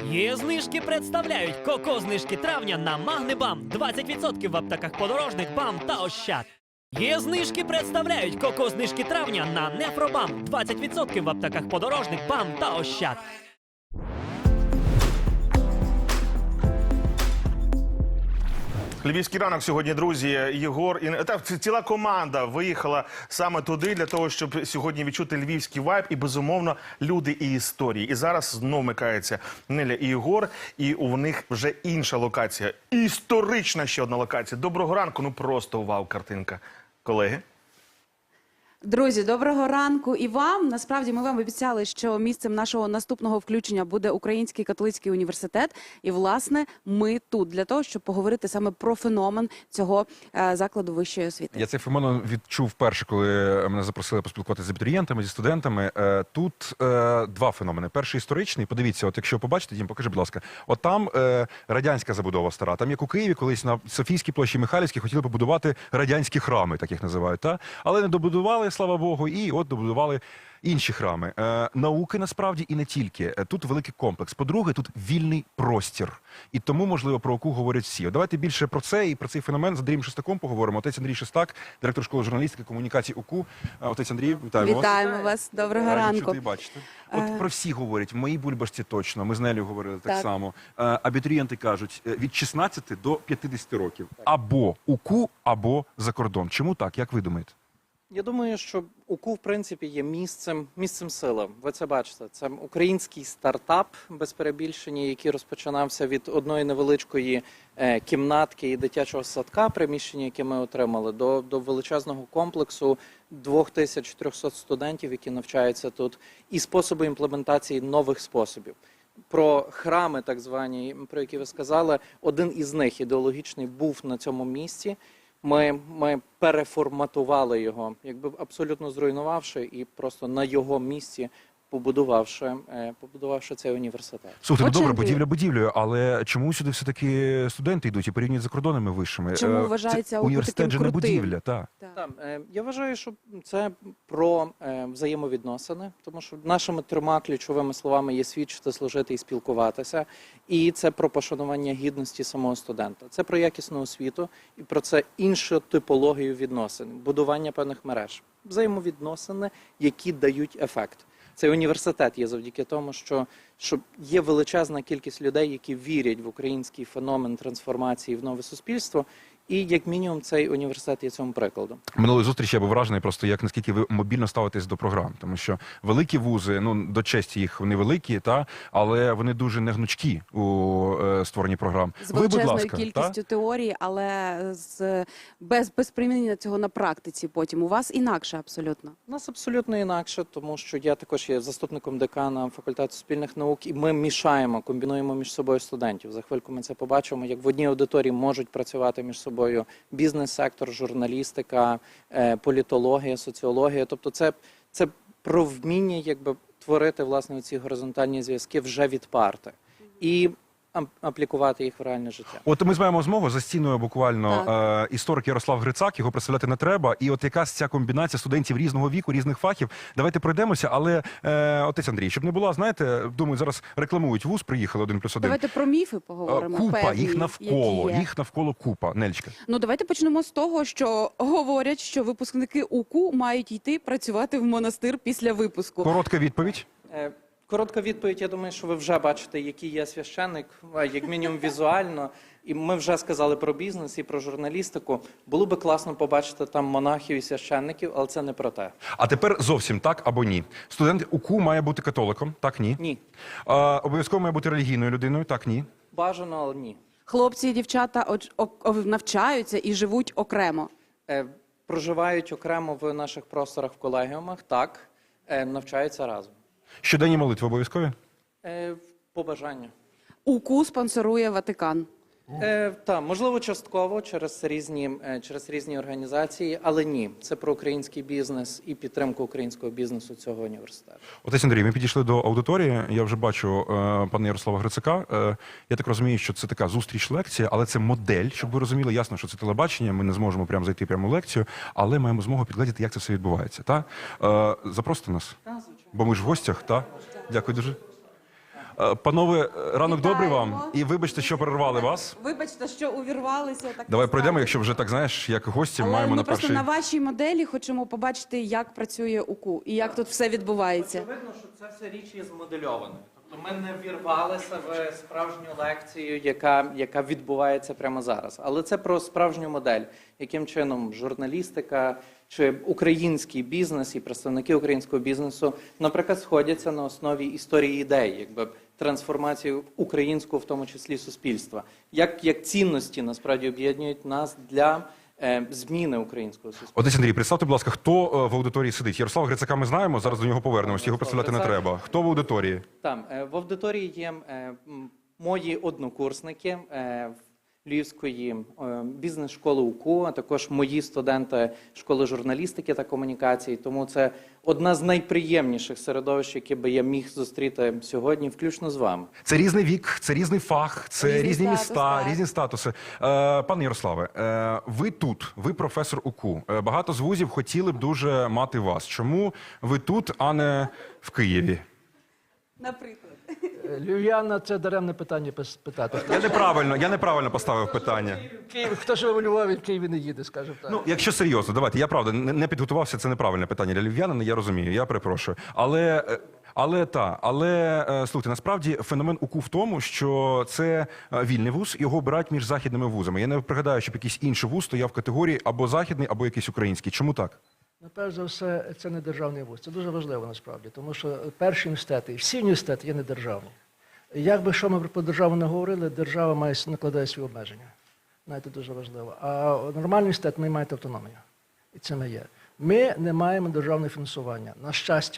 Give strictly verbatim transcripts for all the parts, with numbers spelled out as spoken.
Є знижки представляють коко-знижки травня на Магнебам. двадцять відсотків в аптеках подорожник, БАМ та Ощад. Є знижки представляють коко-знижки травня на Нефробам. двадцять відсотків в аптеках подорожник, БАМ та Ощад. Львівський ранок сьогодні, друзі. Єгор і та ціла команда виїхала саме туди для того, щоб сьогодні відчути львівський вайб і, безумовно, люди і історії. І зараз знову микаються Неля і Єгор, і у них вже інша локація. Історична ще одна локація. Доброго ранку, ну просто вау, картинка. Колеги? Друзі, доброго ранку і вам. Насправді ми вам обіцяли, що місцем нашого наступного включення буде Український католицький університет. І, власне, ми тут для того, щоб поговорити саме про феномен цього е, закладу вищої освіти. Я цей феномен відчув вперше, коли мене запросили поспілкуватися з абітурієнтами, зі студентами. Е, тут е, два феномени. Перший історичний. Подивіться, от якщо побачите, Дім, покажи, будь ласка. От там е, радянська забудова стара. Там, як у Києві, колись на Софійській площі Михайлівській хотіли побудувати радянські храми, так їх називають. Та? Але не добудували, слава Богу, і от добудували інші храми. Е, науки, насправді, і не тільки. Е, тут великий комплекс. По-друге, тут вільний простір. І тому, можливо, про ОКУ говорять всі. От давайте більше про це і про цей феномен з Андрієм Шестаком поговоримо. Отець Андрій Шестак, директор школи журналістики і комунікації ОКУ. Е, отець Андрій, вітаємо вас. Вітаємо вас. Доброго Раді ранку. чути і бачити. От про всі говорять, в моїй бульбашці точно, ми з Нелею говорили так, Так. само. Е, абітурієнти кажуть, е, від шістнадцяти до п'ятдесяти років. Або УКУ, або за кордон. Чому так? Як ви думаєте? Я думаю, що УКУ, в принципі, є місцем, місцем сили. Ви це бачите. Це український стартап, без перебільшення, який розпочинався від одної невеличкої е, кімнатки і дитячого садка, приміщення, яке ми отримали, до, до величезного комплексу двох тисяч трьохсот студентів, які навчаються тут, і способи імплементації нових способів. Про храми, так звані, про які ви сказали, один із них, ідеологічний, був на цьому місці. Ми, ми переформатували його, якби абсолютно зруйнувавши і просто на його місці побудувавши, е, побудувавши цей університет. Слухайте, ну Отже, добре, Андрій. будівля будівлею, але чому сюди все-таки студенти йдуть і порівнюють за кордонами вищими? Чому Е, вважається це ОКУ університет таким же не крутим? будівля, так. Так, е, я вважаю, що це про е, взаємовідносини, тому що нашими трьома ключовими словами є свідчити, служити і спілкуватися. І це про пошанування гідності самого студента. Це про якісну освіту і про це іншу типологію відносин, будування певних мереж. Взаємовідносини, які дають ефект. Цей університет є завдяки тому, що, що є величезна кількість людей, які вірять в український феномен трансформації в нове суспільство. І, як мінімум, цей університет є цьому прикладом. Минулої зустрічі я був вражений просто, як наскільки ви мобільно ставитесь до програм. Тому що великі вузи, ну, до честі їх, вони великі, та, але вони дуже негнучкі у е, створенні програм. З Ви, будь величезною ласка, кількістю та? теорії, але з, без, без примінення цього на практиці потім. У вас інакше абсолютно. У нас абсолютно інакше, тому що я також є заступником декана факультету суспільних наук, і ми мішаємо, комбінуємо між собою студентів. За хвильку ми це побачимо, як в одній аудиторії можуть працювати між собою бізнес-сектор, журналістика, політологія, соціологія. Тобто це, це про вміння якби творити, власне, ці горизонтальні зв'язки вже від парти. І аплікувати їх в реальне життя. От ми маємо змогу за стіною буквально е, історик Ярослав Грицак, його представляти не треба. І от якась ця комбінація студентів різного віку, різних фахів. Давайте пройдемося, але е, отець Андрій, щоб не була, знаєте, думаю, зараз рекламують вуз, приїхали один плюс один. Давайте про міфи поговоримо. Купа, певні, їх навколо, які є. їх навколо купа. Нельчка. Ну, давайте почнемо з того, що говорять, що випускники УКУ мають йти працювати в монастир після випуску. Коротка відповідь. Е, Коротка відповідь, я думаю, що ви вже бачите, який є священник, як мінімум візуально. І ми вже сказали про бізнес і про журналістику. Було би класно побачити там монахів і священників, але це не про те. А тепер зовсім так або ні. Студент УКУ має бути католиком, так, ні? Ні. А, обов'язково має бути релігійною людиною, так, ні? Бажано, але ні. Хлопці і дівчата оч- о- о- навчаються і живуть окремо. Е, Проживають окремо в наших просторах в колегіумах, так, е, навчаються разом. Щоденні молитви обов'язкові? Е, По бажанню. УКУ спонсорує Ватикан. Е, та, можливо, частково через різні, е, через різні організації, але ні. Це про український бізнес і підтримку українського бізнесу цього університету. Отець Андрій, ми підійшли до аудиторії. Я вже бачу е, пана Ярослава Грицака. Е, я так розумію, що це така зустріч-лекція, але це модель, щоб ви розуміли. Ясно, що це телебачення, ми не зможемо прямо зайти прямо в лекцію, але маємо змогу підглядіти, як це все відбувається. Та? Е, запросите нас, Так, звичайно. бо ми ж в гостях. Та? Дякую дуже. Е, Панове, е, ранок добрий вам. Вітаємо. І вибачте, що перервали вас. Вибачте, що увірвалися. Так Давай не пройдемо, сталося. якщо вже так, знаєш, як гості, Але маємо ми на просто перший... на вашій моделі хочемо побачити, як працює УКУ і як тут все відбувається. Очевидно, що це все річ є змодельованою. Тобто ми не вірвалися в справжню лекцію, яка, яка відбувається прямо зараз. Але це про справжню модель, яким чином журналістика чи український бізнес і представники українського бізнесу, наприклад, сходяться на основі історії ідей, якби трансформації українського, в тому числі суспільства. Як, як цінності насправді об'єднують нас для е, зміни українського суспільства. Отець Андрій, представте, будь ласка, хто е, в аудиторії сидить? Ярослава Грицака ми знаємо, зараз до нього повернемось, його представляти не Грицак. треба. Хто в аудиторії? Там е, в аудиторії є е, м, мої однокурсники е, Львівської е, бізнес-школи УКУ, а також мої студенти школи журналістики та комунікації. Тому це одна з найприємніших середовищ, яке би я міг зустріти сьогодні, включно з вами. Це різний вік, це різний фах, це Різний різні статус, міста, так. різні статуси. Е, пане Ярославе, е, ви тут, ви професор УКУ. Е, багато з вузів хотіли б дуже мати вас. Чому ви тут, а не в Києві? Наприклад. Львів'яна – це даремне питання пис- питати. Хто, Я неправильно, я неправильно поставив питання. в Києві, хто живе у Львові, в Києві не їде, скажімо так. Ну, якщо серйозно, давайте, я правда не не підготувався, це неправильне питання для львів'янина, я розумію, я перепрошую. Але, е, але та, але е, слухайте, насправді феномен УКУ в тому, що це е, вільний вуз, його обирають між західними вузами. Я не пригадаю, щоб якийсь інший вуз стояв в категорії або західний, або якийсь український. Чому так? Ну, перш за все, це не державний вуз. Це дуже важливо насправді, тому що перші університети, і всі університети є недержавні. Як би що ми про державу не говорили, держава має накладає свої обмеження. Знаєте, дуже важливо. А нормальний університет має мати автономію. І це ми є. Ми не маємо державного фінансування. На щастя,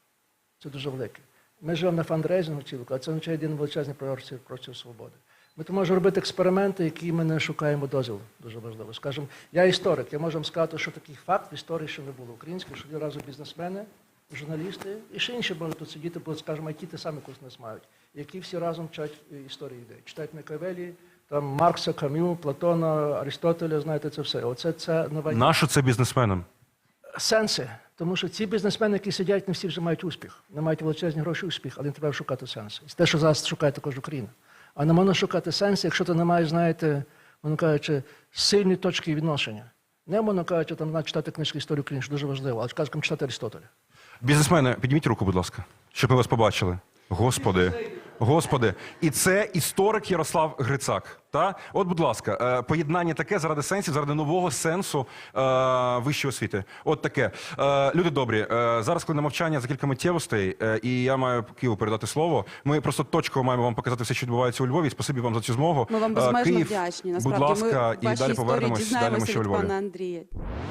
це дуже велике. Ми живемо на фандрейзингу цілку, а це означає один величезний простір, простір свободи. Ми то можемо робити експерименти, які ми не шукаємо дозволу. Дуже важливо. Скажімо, я історик, я можу вам сказати, що такий факт в історії ще не було. Український, що разом бізнесмени, журналісти і ще інші можуть тут сидіти, бо, скажімо, які ті самі курс нас мають, які всі разом вчать історію ідей. Читають Макіавеллі, там Маркса, Кам'ю, Платона, Аристотеля, знаєте, це все. Оце це нова Нащо це бізнесменам? сенси. Тому що ці бізнесмени, які сидять, не всі вже мають успіх. Не мають величезні гроші успіх, але їм треба шукати сенси. І це те, що зараз шукає також Україна. А не можна шукати сенси, якщо ти не маєш, знаєте, воно кажучи, сильні точки відношення. Не можна кажучи, там навіть читати книжки історії України, що дуже важливо, але скажімо, читати Аристотеля. Бізнесмени, підніміть руку, будь ласка, щоб ми вас побачили. Господи, господи. І це історик Ярослав Грицак. Та? От, будь ласка, е, поєднання таке заради сенсів, заради нового сенсу е, вищої освіти. От таке. Е, люди добрі, е, зараз, коли на мовчання за кілька миттєвостей, е, і я маю Києву передати слово, ми просто точково маємо вам показати все, що відбувається у Львові. Спасибі вам за цю змогу. Ми вам Е, безмежно Київ, вдячні. будь Насправді, ласка, ми в і вашій далі історії повернемось, далі ми дізнаємося ще у від Львові. пана Андрія.